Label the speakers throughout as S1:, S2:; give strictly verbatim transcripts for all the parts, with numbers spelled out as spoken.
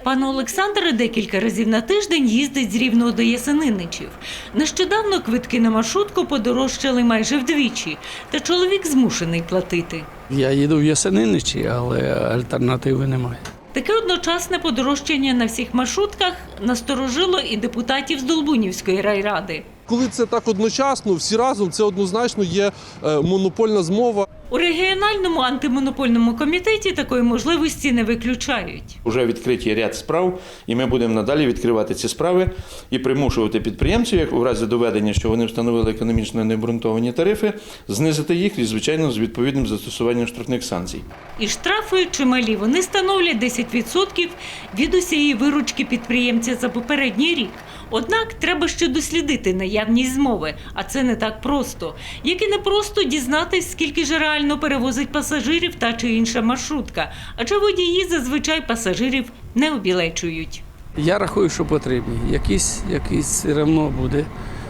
S1: Пан Олександр декілька разів на тиждень їздить з Рівного до Ясениничів. Нещодавно квитки на маршрутку подорожчали майже вдвічі, та чоловік змушений платити.
S2: Я їду в Ясениничі, але альтернативи немає.
S1: Таке одночасне подорожчання на всіх маршрутках насторожило і депутатів з Долбунівської райради.
S3: Коли це так одночасно, всі разом, це однозначно є монопольна змова.
S1: У регіональному антимонопольному комітеті такої можливості не виключають.
S4: Уже відкриті ряд справ, і ми будемо надалі відкривати ці справи і примушувати підприємців, як у разі доведення, що вони встановили економічно необґрунтовані тарифи, знизити їх і, звичайно, з відповідним застосуванням штрафних санкцій.
S1: І штрафи чималі. Вони становлять десять відсотків від усієї виручки підприємця за попередній рік. Однак треба ще дослідити наявність змови, а це не так просто. Як і не просто дізнатись, скільки ж реально перевозить пасажирів та чи інша маршрутка, адже водії зазвичай пасажирів не обілечують.
S2: Я рахую, що потрібні. Якийсь, якийсь все одно буде.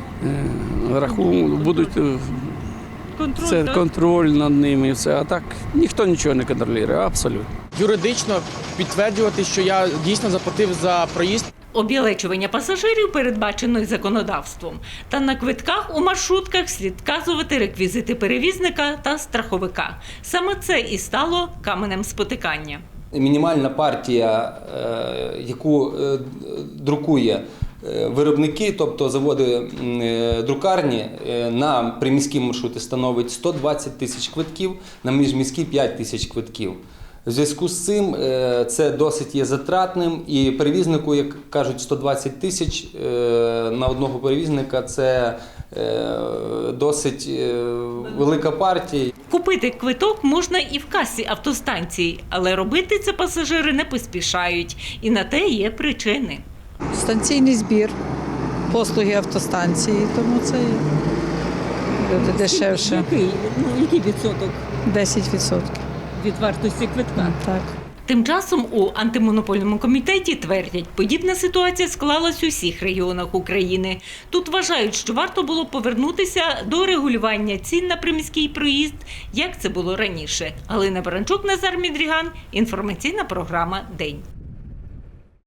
S2: Рахунок, будуть
S1: Контроль,
S2: це,
S1: так?
S2: контроль над ними. І все. А так ніхто нічого не контролює, абсолютно.
S5: Юридично підтверджувати, що я дійсно заплатив за проїзд.
S1: Обілечування пасажирів передбачено й законодавством. Та на квитках у маршрутках слід вказувати реквізити перевізника та страховика. Саме це і стало каменем спотикання.
S6: Мінімальна партія, яку друкує виробники, тобто заводи друкарні, на приміські маршрути становить сто двадцять тисяч квитків, на міжміські п'ять тисяч квитків. В зв'язку з цим це досить є затратним, і перевізнику, як кажуть, сто двадцять тисяч на одного перевізника – це досить велика партія.
S1: Купити квиток можна і в касі автостанції, але робити це пасажири не поспішають. І на те є причини.
S7: Станційний збір, послуги автостанції, тому це буде дешевше.
S1: Який, ну, який відсоток
S7: десять відсотків.
S1: від вартості квитка?
S7: Так.
S1: Тим часом у антимонопольному комітеті твердять, подібна ситуація склалась у всіх регіонах України. Тут вважають, що варто було повернутися до регулювання цін на приміський проїзд, як це було раніше. Галина Баранчук, Назар Мідріган, інформаційна програма «День».